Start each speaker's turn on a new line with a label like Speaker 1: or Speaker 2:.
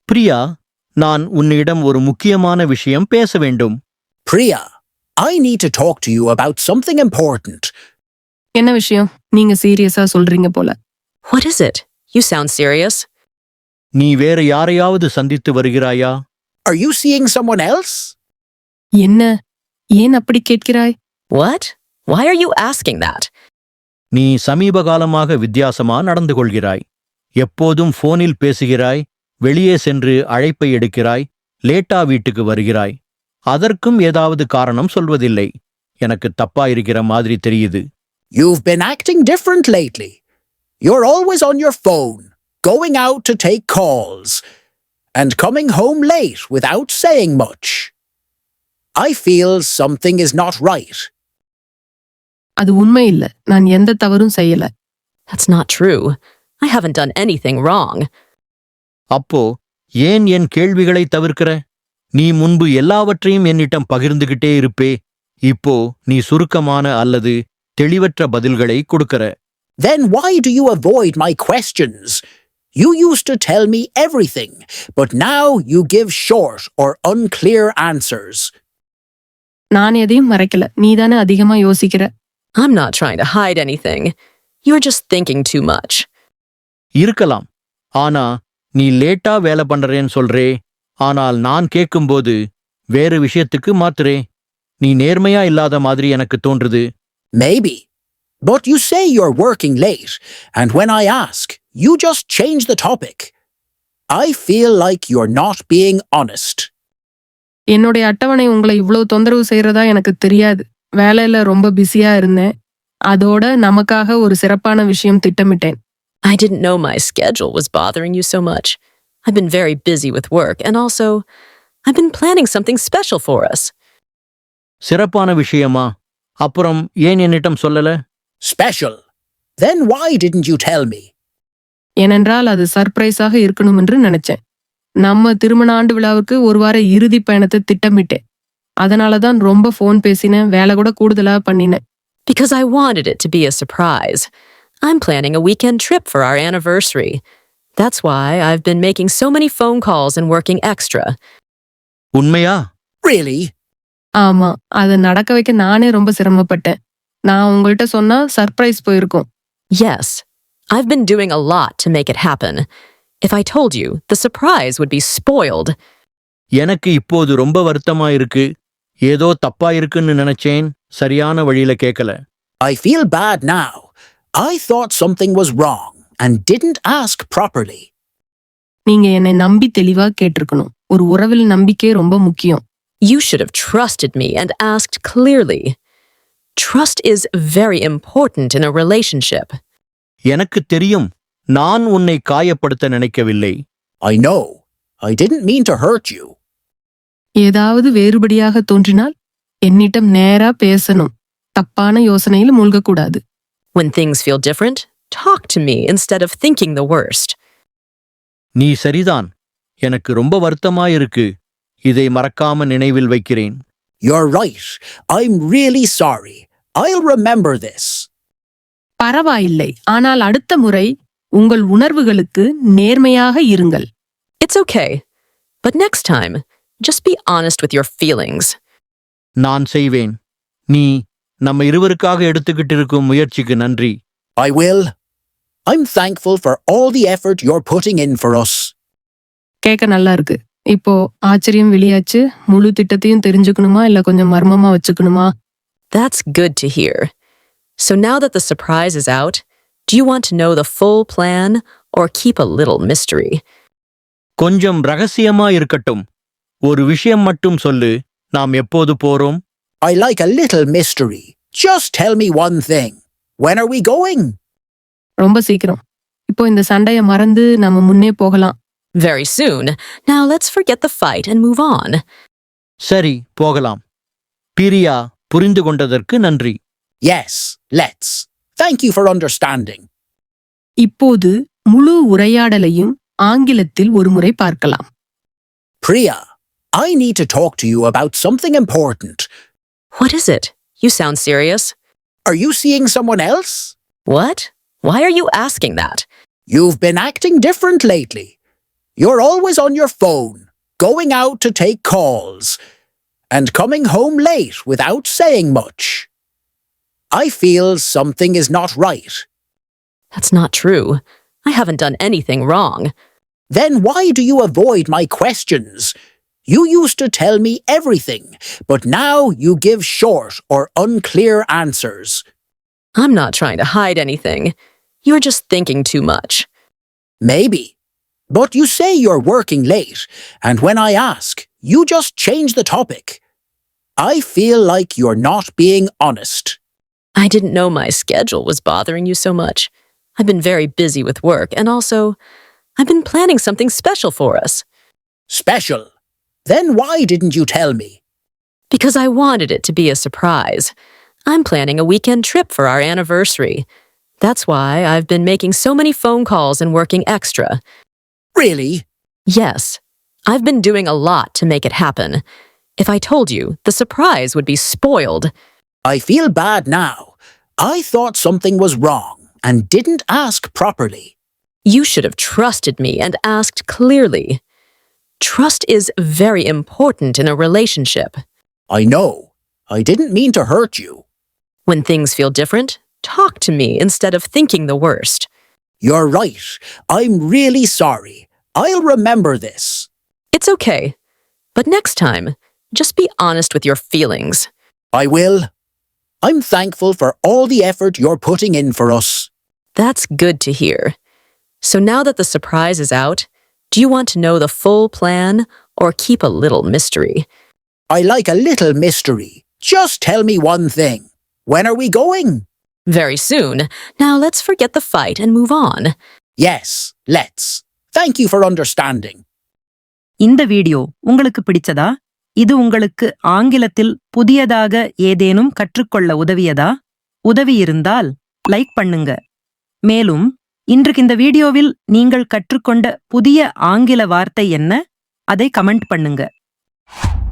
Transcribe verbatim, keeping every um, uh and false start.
Speaker 1: பிரியா, நான் உன்னிடம் ஒரு முக்கியமான விஷயம் பேச வேண்டும்.
Speaker 2: Priya, I need to talk to you about something important.
Speaker 3: என்ன விஷயம்? நீங்க சீரியஸா சொல்றீங்க போல.
Speaker 4: What is it? You sound serious.
Speaker 1: நீ வேற யாரையாவது சந்தித்து வருகிறாயா?
Speaker 2: Are you seeing someone else?
Speaker 3: என்ன? ஏன் அப்படி கேட்கிறாய்?
Speaker 4: What? Why are you asking that?
Speaker 1: நீ சமீப காலமாக வித்தியாசமா நடந்து கொள்கிறாய். எப்போதும் போனில் பேசுகிறாய், வெளியே சென்று அழைப்பை எடுக்கிறாய், லேட்டா வீட்டுக்கு வருகிறாய். அதற்கும் ஏதாவது காரணம் சொல்வதில்லை. எனக்கு தப்பா இருக்கிற மாதிரி தெரியுது.
Speaker 2: You've been acting different lately. You're always on your phone, going out to take calls, and coming home late without saying much. I feel something is not right.
Speaker 3: அது உண்மை இல்ல. நான் எந்த தவறும் செய்யல.
Speaker 4: That's not true. I haven't done anything wrong.
Speaker 1: அப்போ ஏன் என் கேள்விகளை தவிர்க்கிற? நீ முன்பு எல்லாவற்றையும் என்னிடம் பகிர்ந்துகிட்டே இருப்பே. இப்போ நீ சுருக்கமான அல்லது தெளிவற்ற பதில்களை கொடுக்கற.
Speaker 2: Then why do you avoid my questions? You used to tell me everything, but now you give short or unclear answers.
Speaker 3: நான் எதையும் மறைக்கல. நீதானே அதிகமா யோசிக்கிற.
Speaker 4: I'm not trying to hide anything. You're just thinking too much.
Speaker 1: இருக்கலாம். ஆனா நீ லேட்டா வேலை பண்றேன்னு சொல்றே. ஆனால் நான் கேட்கும்போது வேறு விஷயத்துக்கு மாத்துறே. நீ நேர்மையா இல்லாத மாதிரி எனக்கு தோன்றுது.
Speaker 2: Maybe. But you say you're working late, and when I ask, you just change the topic. I feel like you're not being honest.
Speaker 3: என்னுடைய அட்டவணை உங்களை இவ்வளவு தொந்தரவு செய்யறதா எனக்கு தெரியாது. வேலையில ரொம்ப பிஸியா இருந்தேன். அதோட நமக்காக ஒரு சிறப்பான விஷயம் திட்டமிட்டேன்.
Speaker 4: I didn't know my schedule was bothering you so much. I've been very busy with work, and also, I've been planning something special for us.
Speaker 1: சிறப்பான விஷயமா? அப்புறம் ஏன் என்னிடம் சொல்லல?
Speaker 2: Special? Then why didn't you tell me?
Speaker 3: ஏனென்றால் அது சர்ப்ரைஸாக இருக்கணும் என்று நினைச்சேன். நம்ம திருமண ஆண்டு விழாவுக்கு ஒரு வார இறுதி பயணத்தை திட்டமிட்டேன். அதனாலதான் ரொம்ப போன் பேசினேன், வேலை கூட கூடுதலா பண்ணினேன்.
Speaker 4: Because I wanted it to be a surprise. I'm planning a weekend trip for our anniversary. That's why I've been making so many phone calls and working extra.
Speaker 1: உண்மையா?
Speaker 2: Really?
Speaker 3: ஆமா, அதை நடக்க வைக்க நானே ரொம்ப சிரமப்பட்டேன். நான் உங்கள்கிட்ட சொன்னா சர்ப்ரைஸ் போயிருக்கும்.
Speaker 4: Yes, I've been doing a lot to make it happen. If I told you, the surprise would be spoiled.
Speaker 1: எனக்கு இப்போது ரொம்ப வருத்தமா இருக்கு. ஏதோ தப்பா இருக்குன்னு நினைச்சேன். சரியான வழியில கேட்கல.
Speaker 2: I feel bad now. I thought something was wrong and didn't ask properly.
Speaker 3: நீங்க என்னை நம்பி தெளிவா கேட்டிருக்கணும். ஒரு உறவில் நம்பிக்கை ரொம்ப முக்கியம்.
Speaker 4: You should have trusted me and asked clearly. Trust is very important in a relationship.
Speaker 1: எனக்கு தெரியும். நான் உன்னை காயப்படுத்த நினைக்கவில்லை.
Speaker 2: I know. I didn't mean to hurt you.
Speaker 3: ஏதாவது வேறுபடியாக தோன்றினால் என்னிடம் நேரா பேசணும். தப்பான யோசனையில் மூழ்கக்கூடாது.
Speaker 4: When things feel different, talk to me instead of thinking the worst.
Speaker 1: நீ சரிதான். எனக்கு ரொம்ப வருத்தமா இருக்கு. இதை மறக்காம நினைவில் வைக்கிறேன்.
Speaker 2: You're right. I'm really sorry. I'll remember this.
Speaker 3: பரவாயில்லை. ஆனால் அடுத்த முறை உங்கள் உணர்வுகளுக்கு நேர்மையாக இருங்கள்.
Speaker 4: It's okay. But next time, just be honest with your feelings.
Speaker 1: நான் செய்வேன். நீ நம்ம இருவருக்காக எடுத்துக்கிட்டு இருக்கும் முயற்சிக்கு நன்றி.
Speaker 2: I will. I'm thankful for all the effort you're putting in for us.
Speaker 3: கேட்க நல்லா இருக்கு. இப்போ ஆச்சரியம் வெளியாச்சு. முழு திட்டத்தையும் தெரிஞ்சுக்கணுமா இல்ல கொஞ்சம் மர்மமா வச்சுக்கணுமா?
Speaker 4: That's good to hear. So now that the surprise is out, do you want to know the full plan or keep a little mystery?
Speaker 1: கொஞ்சம் ரகசியமா இருக்கட்டும். ஒரு விஷயம் மட்டும் சொல்லு. நாம் எப்போது போறோம்?
Speaker 2: I like a little mystery. Just tell me one thing. When are we going?
Speaker 3: ரொம்ப சீக்கிரம். இப்போ இந்த சண்டைய மறந்து நம்ம முன்னே போகலாம்.
Speaker 4: Very soon. Now let's forget the fight and move on.
Speaker 1: சரி, போகலாம். பிரியா, புரிந்து கொண்டதற்கு நன்றி.
Speaker 2: Yes, let's. Thank you for understanding.
Speaker 3: இப்போது முழு உரையாடலையும் ஆங்கிலத்தில் ஒருமுறை பார்க்கலாம்.
Speaker 2: Priya, I need to talk to you about something important.
Speaker 4: What is it? You sound serious.
Speaker 2: Are you seeing someone else?
Speaker 4: What? Why are you asking that?
Speaker 2: You've been acting different lately. You're always on your phone, going out to take calls, and coming home late without saying much. I feel something is not right.
Speaker 4: That's not true. I haven't done anything wrong.
Speaker 2: Then why do you avoid my questions? You used to tell me everything, but now you give short or unclear answers.
Speaker 4: I'm not trying to hide anything. You're just thinking too much.
Speaker 2: Maybe. But you say you're working late, and when I ask, you just change the topic. I feel like you're not being honest.
Speaker 4: I didn't know my schedule was bothering you so much. I've been very busy with work, and also, I've been planning something special for us.
Speaker 2: Special? Then why didn't you tell me?
Speaker 4: Because I wanted it to be a surprise. I'm planning a weekend trip for our anniversary. That's why I've been making so many phone calls and working extra.
Speaker 2: Really?
Speaker 4: Yes, I've been doing a lot to make it happen. If I told you, the surprise would be spoiled.
Speaker 2: I feel bad now. I thought something was wrong and didn't ask properly.
Speaker 4: You should have trusted me and asked clearly. Trust is very important in a relationship.
Speaker 2: I know. I didn't mean to hurt you.
Speaker 4: When things feel different, talk to me instead of thinking the worst.
Speaker 2: You're right. I'm really sorry. I'll remember this.
Speaker 4: It's okay. But next time, just be honest with your feelings.
Speaker 2: I will. I'm thankful for all the effort you're putting in for us.
Speaker 4: That's good to hear. So now that the surprise is out, do you want to know the full plan or keep a little mystery?
Speaker 2: I like a little mystery. Just tell me one thing. When are we going?
Speaker 4: Very soon. Now let's forget the fight and move on.
Speaker 2: Yes, let's. Thank you for understanding.
Speaker 5: இந்த video உங்களுக்கு பிடிச்சதா? இது உங்களுக்கு ஆங்கிலத்தில் புதியதாக ஏதேனும் கற்றுக்கொள்ள உதவியதா? உதவி இருந்தால் லைக் பண்ணுங்க. மேலும் இன்றைக்கு இந்த வீடியோவில் நீங்கள் கற்றுக்கொண்ட புதிய ஆங்கில வார்த்தை என்ன? அதை கமெண்ட் பண்ணுங்க.